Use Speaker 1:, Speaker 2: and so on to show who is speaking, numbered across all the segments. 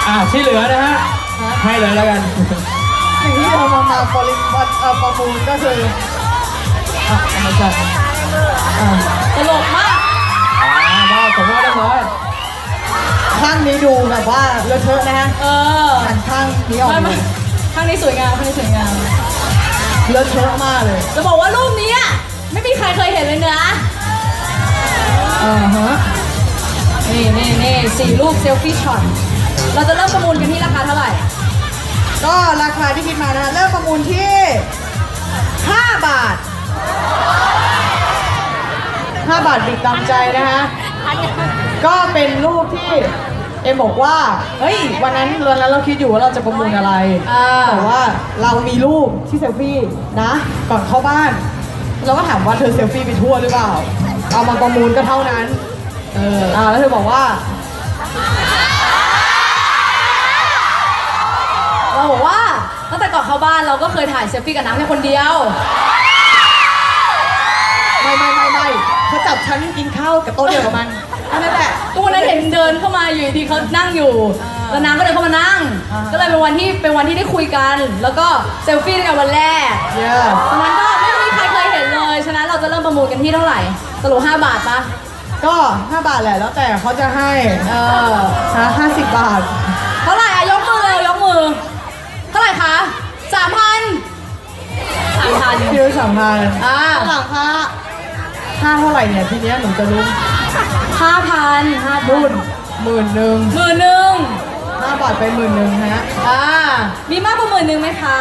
Speaker 1: ที่เหลือนะฮะให้เลยแล้วกัน
Speaker 2: สิ่งที่เรามาประมูลก็คือไม่ใช่
Speaker 3: ตลกมาก
Speaker 1: ได้ผมว่าเรียบร้อย
Speaker 2: ข้างนี้ดูแบบว่าเลอะเทอะนะฮะหันข้างนี้ออกมา
Speaker 3: ข้างนี้สวยงามข้างนี้สวยงาม
Speaker 2: เลอะเทอะมากเลย
Speaker 3: จะบอกว่ารูปนี้ไม่มีใครเคยเห็นเลยนะ
Speaker 2: ฮะ
Speaker 3: นี่4 รูปเซลฟี่ช็อตเราจะเริ่มประมูลกันที่ราคาเท่าไหร่
Speaker 2: ก็ราคาที่คิดมานะเริ่มประมูลที่5 บาท5 บาทบิดตามใจนะฮะก็เป็นรูปที่เอ็มบอกว่าเฮ้ยวันนั้นเราคิดอยู่ว่าเราจะประมูลอะไรแต่ว่าเรามีรูปที่เซลฟี่นะก่อนเข้าบ้านเราก็ถามว่าเธอเซลฟี่ไปทั่วหรือเปล่าเอามาประมูลก็เท่านั้นแล้วเธอบอกว่า
Speaker 3: เราบอกว่าตั้งแต่ก่อนเข้าบ้านเราก็เคยถ่ายเซลฟี่กับน้ำแค่คนเดียว
Speaker 2: ไม่เขาจับฉันกินข้าวกับโต๊ะเดียวกับมันนั่นแหละ
Speaker 3: ก็วันนั้นเห็นเดินเข้ามาอยู่ดีเขานั่งอยู่แล้วน้ำก็เดินเข้ามานั่งก็เลยเป็นวันที่ได้คุยกันแล้วก็เซลฟี่กันวันแรกฉะนั้นก็ไม่มีใครเคยเห็นเลยฉะนั้นเราจะเริ่มประมูลกันที่เท่าไหร่สรุป5 บาทปะ
Speaker 2: ก็5 บาทแหละแล้วแต่เขาจะให้50 บาท
Speaker 3: เท่าไหร่ยกมือเลยยกมือเท่าไหร่คะ3,000
Speaker 2: คิว3,000หลังค่าเท่าไหร่เนี่ยทีเนี้ยหนูจะรู้
Speaker 3: 5,000
Speaker 2: รุ่น11,000 5 บาทไป11,000ฮะ
Speaker 3: มีมากกว่า10,000ไหมคะ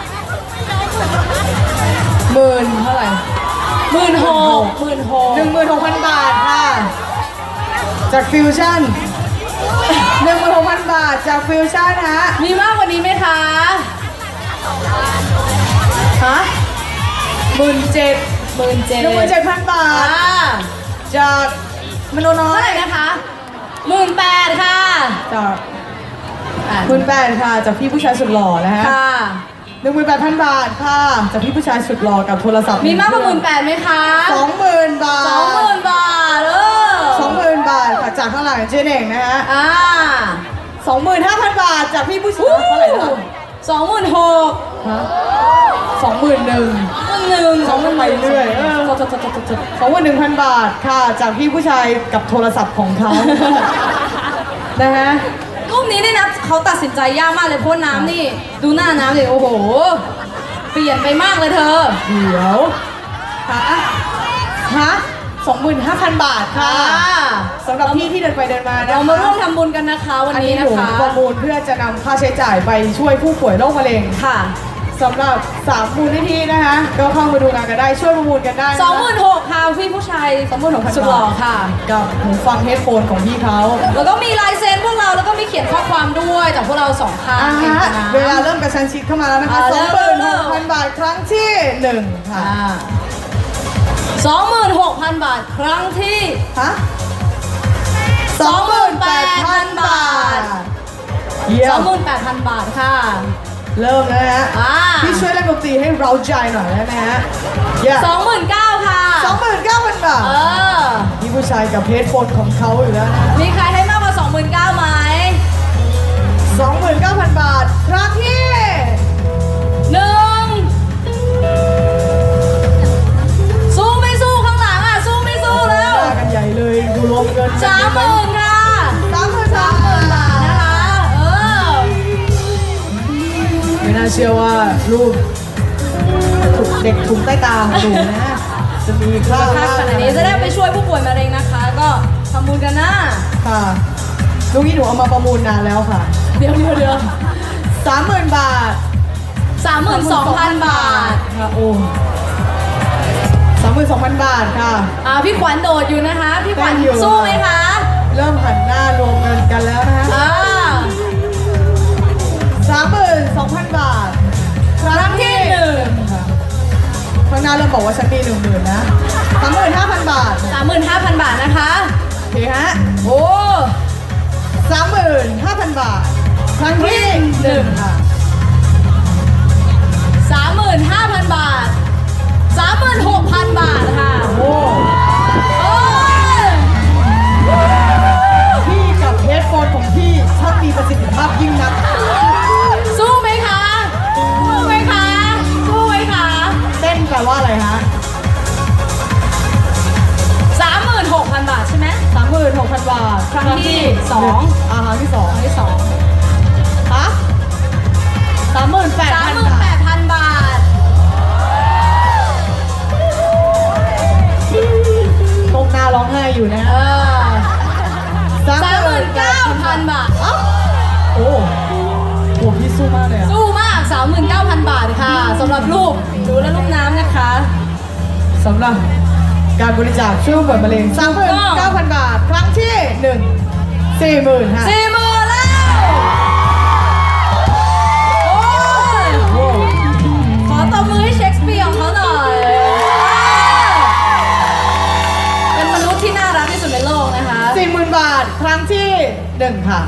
Speaker 2: 10,000เท่าไหร่16,000 บาทค่ะจากฟิวชั่น16,000 บาทจากฟิวชั่นฮะ
Speaker 3: มีมากกว่านี้ไหมคะ
Speaker 2: 17,000 บาทจากมโนน้อย
Speaker 3: เท่าไหร่นะคะ18,000ค่ะ
Speaker 2: จาก18,000ค่ะจากพี่ผู้ชายสุดหล่อนะฮะ18,000 บาทค่ะจากพี่ผู้ชายสุดหล่อกับโทรศัพท์
Speaker 3: มีมากกว่า18,000ไหมคะ
Speaker 2: 20,000 บาท
Speaker 3: 20,000 บาท
Speaker 2: 20,000 บาทค่ะจากข้างหลังเจ๊เน่งนะฮะ25,000 บาทจากพี่ผู้ชายเท่าไหร่นะ
Speaker 3: 26,000
Speaker 2: 21,000ไปเรื่อย21,000 บาทค่ะจากพี่ผู้ชายกับโทรศัพท์ของเขานะฮะ
Speaker 3: รูปนี้นี่นะเขาตัดสินใจยากมากเลยเพราะน้ำนี่ดูหน้าน้ำเลยโอ้โหเปลี่ยนไปมากเลยเธอ
Speaker 2: เดี๋ยว25,000 บาทค่ะสำหรับพี่ที่เดินไปเดินมา
Speaker 3: เรามาร่วมทำบุญกันนะคะวันนี้นะคะ
Speaker 2: ประมูลเพื่อจะนำค่าใช้จ่ายไปช่วยผู้ป่วยโรคมะเร็ง
Speaker 3: ค่ะ
Speaker 2: สำหรับ3 มูลนิธินะคะก็เข้ามาดูงานกันได้ช่วยประมูลกันได้
Speaker 3: 26,000ค่ะพี่ผู้ชาย
Speaker 2: 26,000
Speaker 3: สุดหล่อค่ะ
Speaker 2: กับหูฟังเฮดโฟนของพี่เขา
Speaker 3: แล้วก็มีลายเซ็นพวกเราแล้วก็มีเขียนข้อความด้วยจากพวกเรา2 ข้าง
Speaker 2: เวลาเริ่มกระชั้นชิดเข้ามาแล้วนะคะ26,000 บาทครั้งที่1ค่ะ
Speaker 3: 26,000 บาทครั้งที่28,000 บาท28,000 บาทค่ะ
Speaker 2: เริ่มแล้วนะฮะพี่ช่วยเล่นดนตรีให้เราใจหน่อยได้ไหมฮะ
Speaker 3: 29,000 ค่ะ
Speaker 2: 29,000 บาทพี่ผู้ชายกับเฮดโฟนของเขาอยู่แล้วนะ
Speaker 3: มีใครให้มากกว่า29,000ไหม
Speaker 2: 29,000 บาทครั้งที่
Speaker 3: สู้ไม่สู้ข้างหลังสู้ไม่สู้แล้ว
Speaker 2: กันใหญ่เลยดูรวมเงิน
Speaker 3: 30,000 ค่ะ30,000 บาทนะคะ
Speaker 2: ไม่น่าเชื่อว่ารูปเด็กถุงใต้ตาของหนูนะจะมีค่า
Speaker 3: ขนาดนี้จะได้ไปช่วยผู้ป่วยมะเร็งนะคะก็ทำบุญกันนะ
Speaker 2: ค่ะลูกนี้หนูเอามาประมูลนานแล้วค่ะ
Speaker 3: เดี๋ยว
Speaker 2: 30,000 บาท
Speaker 3: 32,000 บาท
Speaker 2: ค่ะโอ้32,000 บาทค่ะ
Speaker 3: พี่ขวัญโดดอยู่นะคะพี่ขวัญสู้ไหมคะ
Speaker 2: เริ่มหันหน้ารวมเงินกันแล้วนะคะ32,000 บาท
Speaker 3: ครั้งที่1
Speaker 2: ข้างหน้าเริ่มบอกว่าฉันมี10,000นะ35,000 บาท
Speaker 3: 35,000 บาทนะคะ
Speaker 2: โอเคฮะ
Speaker 3: โอ้
Speaker 2: 35,000 บาทครั้งที่1ค่ะ
Speaker 3: 35,000 บาท36,000 บาทค่ะ
Speaker 2: โอ้พี่กับเฮดโฟนของพี่ช่างมีประสิทธิภาพยิ่ง
Speaker 3: ครั้งที่2
Speaker 2: ครั้งที่สอง
Speaker 3: ครั้งที่2
Speaker 2: ฮะ38,000 บาท ตรงหน้าร้องไห้อยู่นะ
Speaker 3: 39,000 บาท
Speaker 2: โอ้โหพี่สู้มากเลยอะ
Speaker 3: สู้มาก 39,000 บาทค่ะสำหรับลูกหนูและลูกน้ำนะคะ
Speaker 2: สำหรับการบริจาคช่วยผู้ป่วยมะเร็ง 39,000 บาท ครั้งที่ 1 40,000 ค่ะ
Speaker 3: 40,000 แล้วโอ้ยขอตบมือให้เชคสเปียร์ของเขาหน่อย เป็นมนุษย์ที่น่ารักที่สุดในโลกนะคะ
Speaker 2: 40,000 บาท ครั้งที่ 1 ค่ะ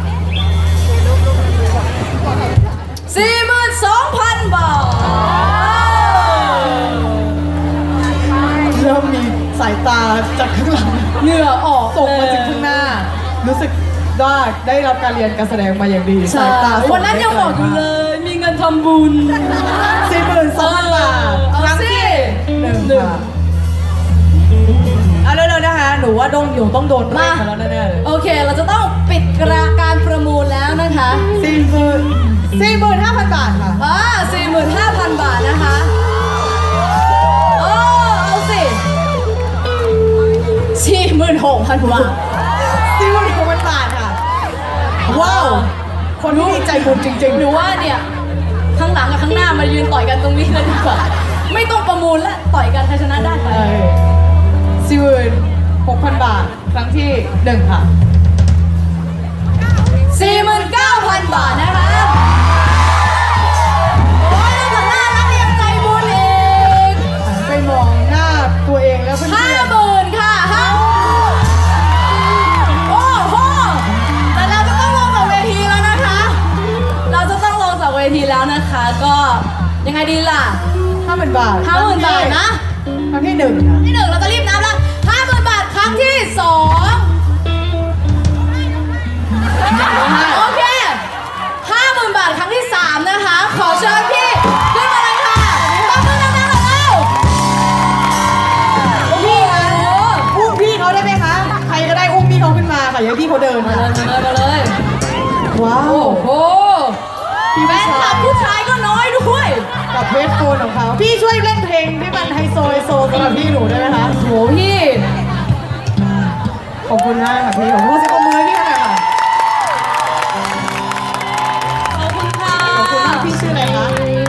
Speaker 3: 42,000 บาท
Speaker 2: เริ่มมีสายตาจากข้างหลัง
Speaker 3: เหงื่อออก
Speaker 2: ส่งมาถึงข้างหน้า รู้สึกว่าได้รับการเรียนการแสดงมาอย่างดี
Speaker 3: ใช่
Speaker 2: สายตาส่
Speaker 3: วันนั้นยังบอกอยู่เลย มีเงินทำบุญ
Speaker 2: 42,000 บาท ครั้งที่ 1 ค่ะเอาเร็วๆนะคะ หนูว่าดงอยู่ต้องโดนเรียกมาแล้วแน่ๆเลย
Speaker 3: โอเค เราจะต้องปิดการประมูลแล้วนะคะ
Speaker 2: 45,000 บาทค่ะ
Speaker 3: 45,000 บาทนะคะโอ้เอาสิ 46,000 บาท
Speaker 2: 46,000 บาทค่ะ ว้าว คนที่มีใจบุญจริงๆ
Speaker 3: หนูว่าเนี่ย ข้างหลังกับข้างหน้ามายืนต่อยกันตรงนี้เลยดีกว่า ไม่ต้องประมูลแล้วต่อยกันใครชนะได้ไป
Speaker 2: 46,000 บาท ครั้งที่ 1 ค่ะ
Speaker 3: 49,000 บาทนะคะ โอ้ยแล้วข้างหน้ารักยังใจบุญอีก
Speaker 2: หันไปมองหน้าตัวเองแล้วเพื่อน
Speaker 3: 50,000 ค่ะโอ้โหแต่เราจะต้องลงจากเวทีแล้วนะคะ เราจะต้องลงจากเวทีแล้วนะคะ ก็ยังไงดีล่ะ
Speaker 2: 50,000 บาท
Speaker 3: 50,000 บาทนะ
Speaker 2: ครั้งที่ 1 ค่ะ
Speaker 3: ที่ 1 เราจะรีบนับแล้ว 50,000 บาทครั้งที่ 2 โอเค 50,000 บาทครั้งที่ 3 นะคะ ขอเชิญพี่ขึ้นมาเลยค่ะตบมือดังๆหน่อยเร็ว
Speaker 2: พี่คะอุ้มพี่เขาได้ไหมคะ ใครก็ได้อุ้มพี่เขาขึ้นมาค่ะอย่าให้พี่เขาเดิน
Speaker 3: มา
Speaker 2: ค่ะ
Speaker 3: เลยมาเลยมาเลย
Speaker 2: ว้าว
Speaker 3: โอ้โห
Speaker 2: พี่
Speaker 3: แฟ
Speaker 2: ผู้
Speaker 3: นค
Speaker 2: ชา
Speaker 3: ลับ
Speaker 2: ย
Speaker 3: ผู้ชายก็น้อยด้วย
Speaker 2: กับเวทโฟนของเขา พี่ช่วยเล่นเพลงที่มันไฮโซสำหรับพี่หนูได้ไหมคะ
Speaker 3: โหพี่
Speaker 2: ขอบคุณมากค่ะพี่ ขอบคุณสิบมือให้พี่เขาหน่อยค่ะ
Speaker 3: ขอบคุณค่ะ
Speaker 2: ขอบคุณมากพี่ชื่ออะไรคะ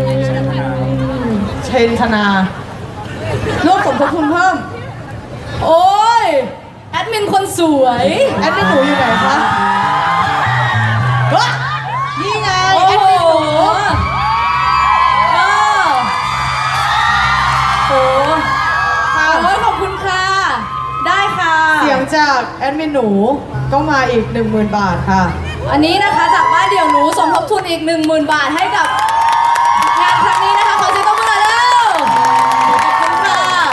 Speaker 2: เชนธนาร่วมสมทบทุนเพิ่ม
Speaker 3: โอ้ยแอดมินคนสวย
Speaker 2: แอดมินหนูอยู่ไหนคะเฮ้ยนี่ไง
Speaker 3: โอ้
Speaker 2: แอด
Speaker 3: โห
Speaker 2: มินหนู
Speaker 3: โอ้โห
Speaker 2: ค่ะ
Speaker 3: โอ้ยขอบคุณค่ะ ได้ค่ะ
Speaker 2: เสียงจากแอดมินหนูก็มาอีก 10,000 บาทค่ะ
Speaker 3: อันนี้นะคะจากบ้านเดี่ยวหนูสมทบทุนอีก 10,000 บาทให้กับงานครั้งนี้นะคะ ขอเสียงตบมือหน่อยเร็วขอบคุณค่ะ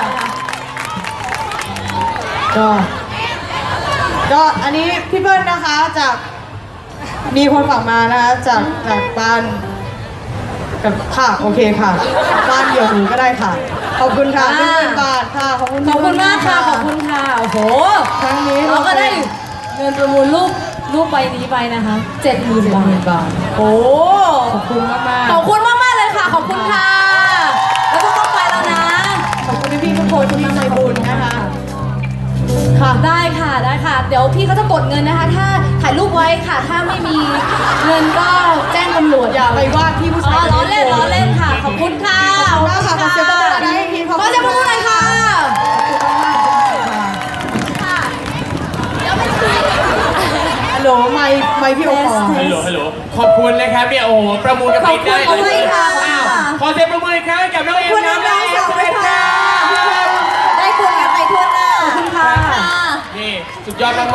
Speaker 2: ก็อันนี้พี่เบิ้ลนะคะจากมีคนฝากมานะคะจากบ้านกับค่ะโอเคค่ะ บ้านเดียวหนูก็ได้ค่ะ ขอบคุณค่ะ10,000 บาทค่ะขอบคุณ
Speaker 3: ขอบคุณมากค่ะ ขอบ
Speaker 2: ณ
Speaker 3: คุณค่ะ โอ้โห
Speaker 2: ครั้งนี้
Speaker 3: เราก็ได้เงินประมูลรูปใบนี้ไปนะคะ 70,000 บาท โอ้
Speaker 2: ขอบคุณมากๆ
Speaker 3: ขอบคุณมากๆเลยค่ะ ขอบคุณค่ะ แล้วก็ต้องไปแล้วนะ
Speaker 2: ขอบคุณพี่ๆทุกคนที่ใจบุญนะคะ ค่ะ
Speaker 3: ได้ค่ะ ได้ค่ะ เดี๋ยวพี่เขาจะกดเงินนะคะ ถ้าถ่ายรูปไว้ค่ะ ถ้าไม่มีเงินก็แจ้งตำรวจ
Speaker 2: อย่าไปวาดพี่ผู้
Speaker 3: อ๋
Speaker 2: ชา
Speaker 3: อย ล้อเล่นล้อเล่นค่ะ ขอบคุณค่ะ
Speaker 2: ขอบคุณมากค่ะขอเสียงปรบมือหน่อยให้ทีม
Speaker 3: ขอเสียงปรบมือหน่อยค่ะ
Speaker 2: ฮัลโหลไม่พี่โอปอ
Speaker 1: ฮัลโหลฮัลโหลขอบคุณนะครับเนี่ยโอ้โหประมูลกันไปได้
Speaker 3: ขอบคุณค่ะ
Speaker 1: อ้าวขอเสียงประมูลอีกครั้งให้กับน้องเอ็มนะน้องเอ็มสวัสดีค่ะ
Speaker 3: ได้คุณกันไปทั่วหน้า ขอบคุณค่ะ
Speaker 1: นี่สุดยอดมาก